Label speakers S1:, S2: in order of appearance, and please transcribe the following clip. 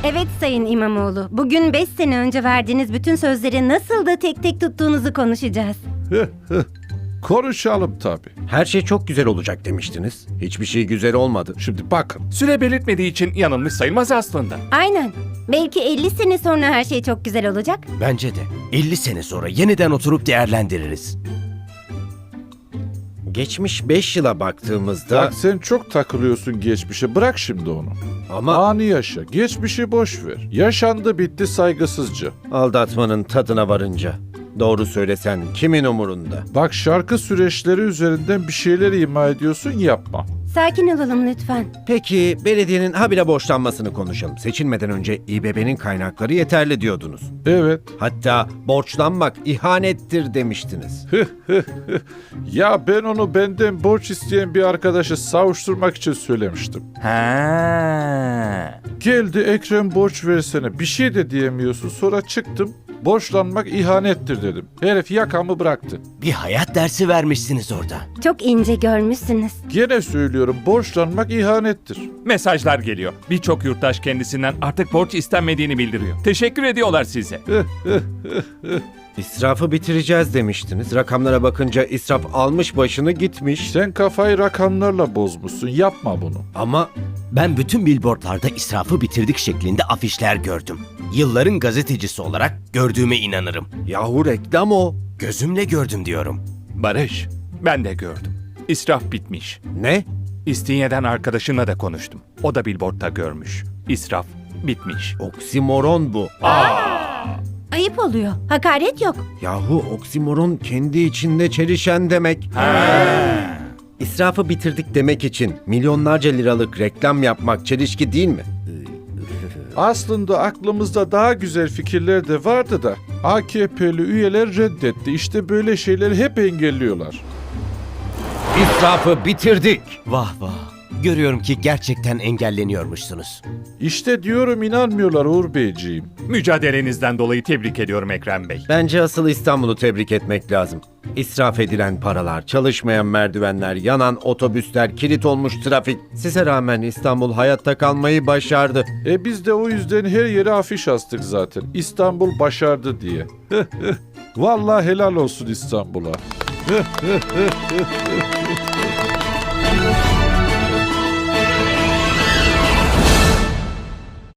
S1: Evet Sayın İmamoğlu, bugün 5 sene önce verdiğiniz bütün sözleri nasıl da tek tek tuttuğunuzu konuşacağız.
S2: Konuşalım tabii.
S3: Her şey çok güzel olacak demiştiniz. Hiçbir şey güzel olmadı.
S2: Şimdi bakın.
S4: Süre belirtmediği için yanılmış sayılmaz aslında.
S1: Aynen. Belki 50 sene sonra her şey çok güzel olacak.
S5: Bence de 50 sene sonra yeniden oturup değerlendiririz.
S3: Geçmiş 5 yıla baktığımızda...
S2: Bak sen çok takılıyorsun geçmişe. Bırak şimdi onu.
S3: Ama
S2: Anı yaşa. Geçmişi boş ver. Yaşandı bitti saygısızca.
S3: aldatmanın tadına varınca. Doğru söylesen kimin umurunda?
S2: Bak şarkı süreçleri üzerinden bir şeyler ima ediyorsun, yapma.
S1: Sakin olalım lütfen.
S3: Peki belediyenin habire borçlanmasını konuşalım. Seçilmeden önce İBB'nin kaynakları yeterli diyordunuz.
S2: Evet.
S3: Hatta borçlanmak ihanettir demiştiniz.
S2: Ya ben onu benden borç isteyen bir arkadaşı savuşturmak için söylemiştim.
S4: Ha.
S2: Geldi Ekrem borç versene. Bir şey de diyemiyorsun. Sonra çıktım. Borçlanmak ihanettir dedim. Herif yakamı bıraktı.
S5: Bir hayat dersi vermişsiniz orada.
S1: Çok ince görmüşsünüz.
S2: Gene söylüyorum, borçlanmak ihanettir.
S4: Mesajlar geliyor. Birçok yurttaş kendisinden artık borç istenmediğini bildiriyor. Teşekkür ediyorlar size.
S3: İsrafı bitireceğiz demiştiniz. Rakamlara bakınca israf almış başını gitmiş.
S2: Sen kafayı rakamlarla bozmuşsun. Yapma bunu.
S3: Ama
S5: Ben bütün billboardlarda israfı bitirdik şeklinde afişler gördüm. Yılların gazetecisi olarak gördüğüme inanırım.
S3: yahu reklam o.
S5: Gözümle gördüm diyorum.
S4: Barış, ben de gördüm. İsraf bitmiş.
S3: Ne?
S4: İstinye'den arkadaşınla da konuştum. O da billboardta görmüş. İsraf bitmiş.
S3: Oksimoron bu.
S1: Ayıp oluyor. Hakaret yok.
S3: Yahu oksimoron kendi içinde çelişen demek. İsrafı bitirdik demek için milyonlarca liralık reklam yapmak çelişki değil mi?
S2: Aslında aklımızda daha güzel fikirler de vardı da AKP'li üyeler reddetti. İşte böyle şeyleri hep engelliyorlar.
S3: İsrafı bitirdik.
S5: Vah vah. Görüyorum ki gerçekten engelleniyormuşsunuz.
S2: İşte diyorum, inanmıyorlar Uğur Beyciğim.
S4: Mücadelenizden dolayı tebrik ediyorum Ekrem Bey.
S3: Bence asıl İstanbul'u tebrik etmek lazım. İsraf edilen paralar, çalışmayan merdivenler, yanan otobüsler, kilit olmuş trafik. Size rağmen İstanbul hayatta kalmayı başardı.
S2: Biz de o yüzden her yere afiş astık zaten. İstanbul başardı diye. Vallahi helal olsun İstanbul'a.